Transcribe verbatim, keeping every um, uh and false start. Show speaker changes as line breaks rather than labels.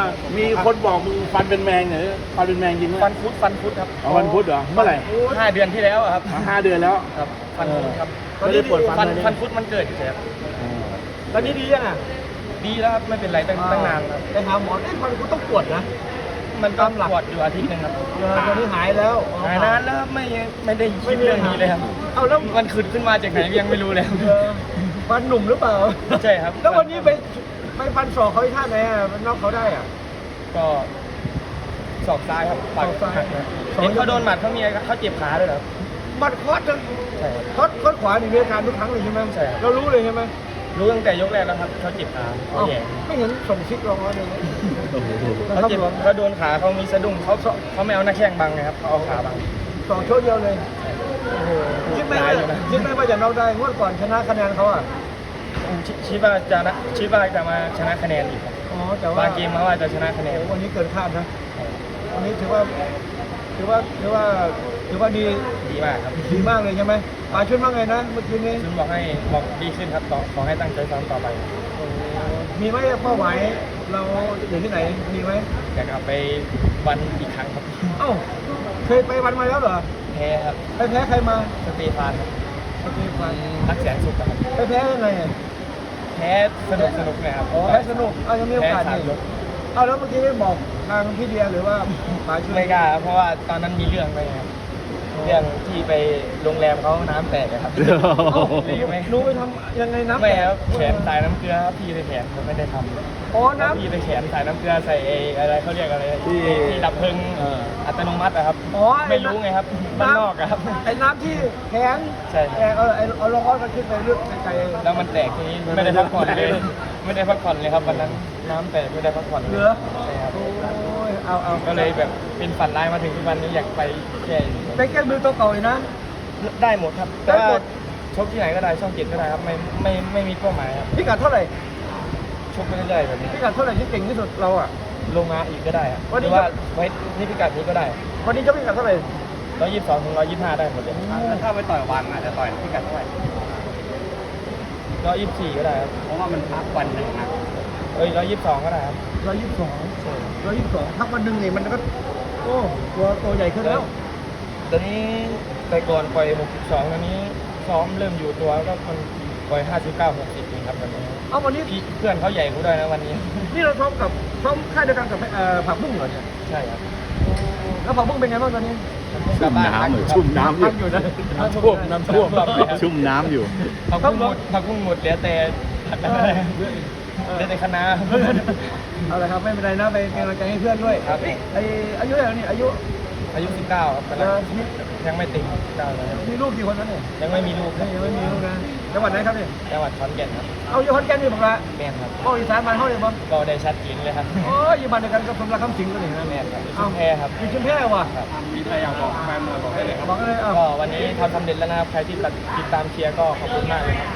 มีคนบอกมึงฟันเป็นแมงเหรอฟันเป็นแมงจริงไหม
ฟันฟุตฟันฟุตครับ
อ๋อฟันพุธเหรอเมื่อไหร่
ห้าเดือนที่แล้วอะครับ
อ๋อห้าเดือนแล้ว
ครับฟันฟุตครับ
ไม่ได้ปวดฟัน
ฟัน
เลย
ฟันฟุตมันเกิดอยู่ครับ
อ๋อ
ตอนนี้ดียังอ่ะ
ดีแล้วครับไม่เป็นไรตั้งตั้งนานครับ
ไปหาหมอเอ้ยมันก็ต้องปวดนะ
มันก็ปวดอยู่อาทิตย์หนึงครับ
เออตอนนี้หายแล้ว
หายนานแล้วครับไม่ไม่ได้คิดเรื่องนี้เลยครับ
เอาแล้ว
มันขึ้นขึ้นมาจากไหนยังไม่รู้เลยครับ
เออฟันหนุ่มหรือเปล่า
ใช่ครับ
แล้ววันนี้ไปไปฟันศอกเขาที่ท่าไหนอ่ะมันน็อกเขาได้อ่ะ
ก็ศอกซ้ายครับปัด
ศอกซ้าย
หักนะเห็นเขาโดนหมัดเขามีอะไรเขาเจ็บขาด้วยเหรอครับ
มัดคอสจน
ใช่ครับ
คอสคอสขวานี่มีอาการทุกครั้งเลยใช่ไหม
ใช่ครับ
เรารู้เลยใช่ไหม
รู้ตั้งแต่ยกแรกแล้วครับเขาเจ็บขาเขา
เอ้า
แย่
ไม่เห็นส่งซิกลงมาเลยนะ
เขาเจ็บเขาโดนขาเขามีสะดุ้งเขาเขาไม่เอาหน้าแข้งบังนะครับเขาเอาขาบัง
สองโชว์เดียวเลยโอ้โหคิดไหม
ตา
ว่าย
อยู่นะ
คิดไหมว่าจะน็อกได้งวดก่อนชนะคะแนนเขาอ่ะ
ชิชิบาจะนะชิบาจะมาชนะคะแนนอีกครับ
อ๋อแต่ว่า
บางเกมมาว่าจะชนะคะแนน
โอ้วันนี้เกินคาดนะวันนี้ถือว่าถือว่าถือว่าถือว่าดี
ดีมากครับ
ดีมากเลยใช่ไหมป๋าช่วยมากเลยนะเมื่อกี้นี้
ซึ่งบอกให้บอกดีขึ้นครับต่อขอให้ตั้งใจซ้อมต่อไป
มีไหมเป้าหมายเราอยู่ที่ไหนมีไหม
อยากกลับไปวันอีกครั้งครับ
เอ้าเคยไปวันมาแล้วเหรอ
แพ้ครับ
ไปแพ้ใครมา
สเตฟานครับ
โอเคฟัน
รักแสนสุขครับ
ไปแพ้ยังไงอ่ะ
แพ้สนุกสนุกนะครับ
อ๋อแพ้สนุกเอายังมีโอกาส
แพ้สาม
นี่
ยก
เอาแล้วเมื่อกี้บอกทางพี่เดียหรือว่าป๋าช่วย
ไม่กล้าครับเพราะว่าตอนนั้นมีเรื่องไปครับเรื่องที่ไปโรงแรมเขาน้ำแตกอะครับ
เอ้า
รู้ไหม
รู้ไปทำยังไงนะ
ไม่ครับแขนสายน้ำเกลือครับพี่ในแขนผมไม่ได้ทำ
อ๋อ
แล้ว
น้ำ
พี่ในแขนสายน้ำเกลือใส่ไอ้อะไรเขาเรียกอะไร
ที่
ที่ดับเพลิง
เออ
อัตโนมัติอะครับ
อ๋ออ้
ไม่รู้ไงครับบ้านนอกอะครับ
ไอ้น้ำที่แขน
ใช่ครับ
แขนเออไอ้เอาลงอ้อนก็ขึ้นไปเลือกไกลๆ
แล้วมันแตกทีนี้ไม่ได้พักผ่อนเลย ไม่ได้พักผ่อนเลยครับวันนั้นน้ำแตกไม่ได้พักผ่อนเลย
เหลือ
ใช่ครับ
โอ้ยเอาเอา
ก็เลยแบบเป็นฝันร้ายมาถึงทุกวันนี้อยากไปแก้อยู่
ไปแก้มือตัวเก่าเลยนะ
ได้หมดครับ
ได้
แต่
หม
ว่า
ด
ชกที่ไหนก็ได้ช่องเจ็ดก็ได้ครับไม่ไม่ไม่มีเป้าหมายครับ
พิกัดเท่าไหร่
ชกไปเรื่อยๆแบบนี้
พิกัดเท่าไหร่ที่เก่งที่สุดเราอ่ะ
ลงมาอีกก็ได้ครับ
วัน
ห
นี้
รือว่าไว้ที่พิกัดนี้ก็ได้
วันนี้จะพิกัดเท่าไหร่
ร้อยยี่สิบสองถึงร้อยยี่สิบห้าได้หมดเลย
แล้วถ้าไปต่อยวันอาจจะต่อยพิกัดเท่าไหร่
ร้อยยี่สิบสี่ก็ได้ครับ
เพราะว่ามันพักวันหนึ่งนะ
เอ้ยร้อยยี่สิบสองก็ได้ครับ
ร้อยยี่สิบสองร้อยยี่สิบสองพักวันหนึ่งนี่มันก็โอ้ตัวตัวใหญ่ขึ้นแล้ว
ตอนนี้แต่ก่อนปล่อยหกสิบสองตอนนี้ซ้อมเริ่มอยู่ตัวก็คนปล่อยห้าสิบเก้า หกสิบเองครับวันนี้
เอาวันนี้
พี่เพื่อนเขาใหญ่กูด้วยนะวันนี้
นี่เราซ้อมกับซ้อมค่ายเดียวกันกับเอ่อผักบุ้งเหรอเนี่ย
ใช่ครับ
แล้วผักบุ้งเป็นไงบ้างตอนนี้
ชุ่มน้ำอยู่ชุ่มน้ำอ
พั
ยู่
กอยู่นะ
น้ำท่วมน้ำท่วมแบบนี้ครับ
ชุ่มน้ำอยู่
ผักบุ้งหมดผักบุ้งหมดเหลือแต่ผักอะไรเหลือแต่คะน้า
เอาละครับไม่เป็นไรนะไปเป็นกำลังใจให้เพื่อนด้วย
ครับ
นี่ไออายุเท่าไหร่นี่อายุ
อายุสิบเก้าครับกำลัง
เอ่อมี
ยังไม่ติดเก้าเลยครับ
มีลูกกี่คนแล้วเนี่ย
ยังไม่มีลูกครับ
นี่ยังไม่มีลูกนะจังหวัดไหนครับเนี่ย
จังหวัดขอนแก่นครับ
เอาอยู่ขอนแก่นนี่บอกละ
แม่นครับ
โอ้อีสานบ้านเฮาเลยบ่
ก็ได้ชัดเจนเลยครับ
โอ้ยอยู่บ้านเดียวกันกับสมรักคำสิงห์ก็นี่นะ
แม่นครับ
เอา
ชุมแพครับ
อยู่ชุมแพว่ะ
ครับ
มีอะไรอยากบอกแฟนมวยบอกได้เลยครับ
บอกเลยเอา
ก็วันนี้ทำสำเร็จแล้วนะครับใครที่ติดตามเชียร์ก็ขอบคุณมากเลยครับ